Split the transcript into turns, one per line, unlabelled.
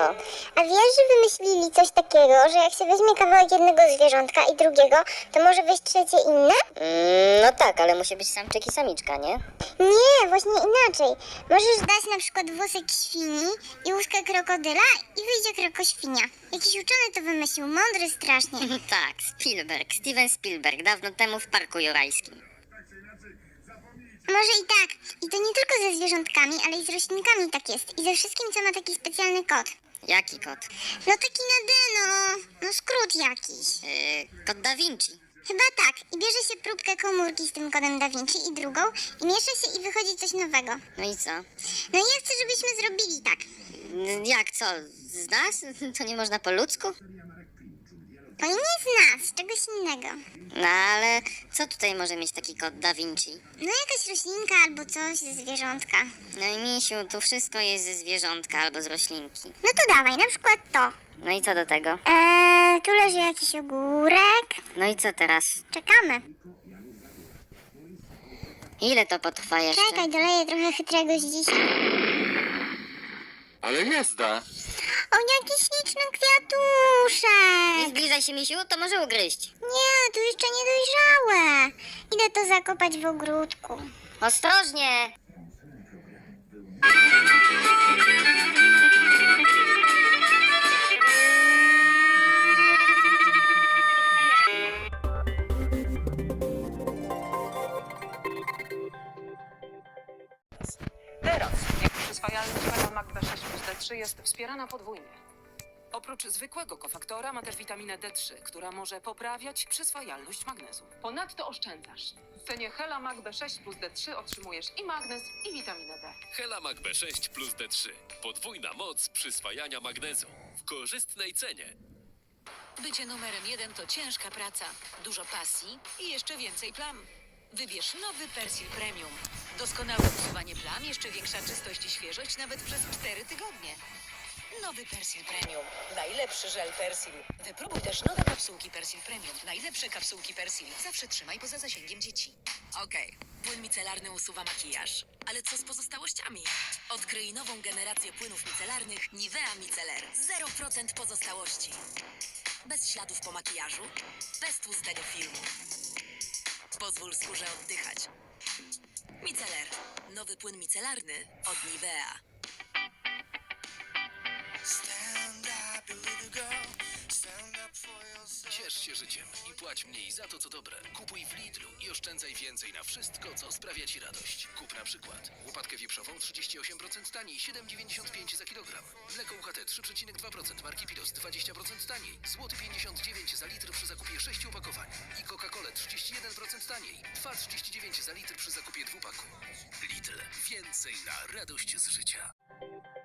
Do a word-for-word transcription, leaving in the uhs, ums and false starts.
A wiesz, że wymyślili coś takiego, że jak się weźmie kawałek jednego zwierzątka i drugiego, to może wyjść trzecie inne?
Mm, no tak, ale musi być samczyk i samiczka, nie?
Nie, właśnie inaczej. Możesz dać na przykład włosek świni i łóżkę krokodyla i wyjdzie krokoświnia. Jakiś uczony to wymyślił, mądry strasznie.
Tak, Spielberg, Steven Spielberg, dawno temu w Parku Jurajskim.
Może i tak. I to nie tylko ze zwierzątkami, ale i z roślinkami tak jest. I ze wszystkim, co ma taki specjalny kod.
Jaki kot?
No taki na D, no. No skrót jakiś.
Yy, kot Da Vinci.
Chyba tak. I bierze się próbkę komórki z tym kodem Da Vinci i drugą i miesza się i wychodzi coś nowego.
No i co?
No i ja chcę, żebyśmy zrobili tak.
N- Jak, co? Z nas? To nie można po ludzku?
To nie z nas, z czegoś innego.
No ale co tutaj może mieć taki kot Da Vinci?
No jakaś roślinka albo coś ze zwierzątka.
No i misiu, tu wszystko jest ze zwierzątka albo z roślinki.
No to dawaj, na przykład to.
No i co do tego?
Eee, tu leży jakiś ogórek.
No i co teraz?
Czekamy.
Ile to potrwa jeszcze?
Czekaj, doleję trochę chytrego z dzisiaj.
Ale jazda!
O, jaki śliczny kwiatuszek.
Nie zbliżaj się, misiu, to może ugryźć.
Nie, tu jeszcze niedojrzałe. Idę to zakopać w ogródku.
Ostrożnie!
Teraz przyswajalność Hela B sześć plus D trzy jest wspierana podwójnie. Oprócz zwykłego kofaktora ma też witaminę D trzy, która może poprawiać przyswajalność magnezu. Ponadto oszczędzasz. W cenie Hela B sześć plus D trzy otrzymujesz i magnez, i witaminę D.
Helamak B sześć plus D trzy. Podwójna moc przyswajania magnezu. W korzystnej cenie.
Bycie numerem jeden to ciężka praca, dużo pasji i jeszcze więcej plam. Wybierz nowy Persil Premium. Doskonałe usuwanie plam, jeszcze większa czystość i świeżość nawet przez cztery tygodnie. Nowy Persil Premium. Najlepszy żel Persil. Wypróbuj też nowe kapsułki Persil Premium. Najlepsze kapsułki Persil. Zawsze trzymaj poza zasięgiem dzieci. Okej, płyn micelarny usuwa makijaż. Ale co z pozostałościami? Odkryj nową generację płynów micelarnych Nivea Micelar. zero procent pozostałości. Bez śladów po makijażu. Bez tłustego filmu. Pozwól skórze oddychać. Micelar. Nowy płyn micelarny od Nivea.
Ciesz się życiem i płać mniej za to, co dobre. Kupuj w Lidlu i oszczędzaj więcej na wszystko, co sprawia Ci radość. Kup na przykład łopatkę wieprzową trzydzieści osiem procent taniej, siedem dziewięćdziesiąt pięć za kilogram. Mleko U H T trzy przecinek dwa procent marki Pilos dwadzieścia procent taniej. Złoty pięćdziesiąt dziewięć za litr przy zakupie sześciu opakowań. I Coca-Colę trzydzieści jeden procent taniej. dwa trzydzieści dziewięć za litr przy zakupie dwupaku. Lidl. Więcej na radość z życia.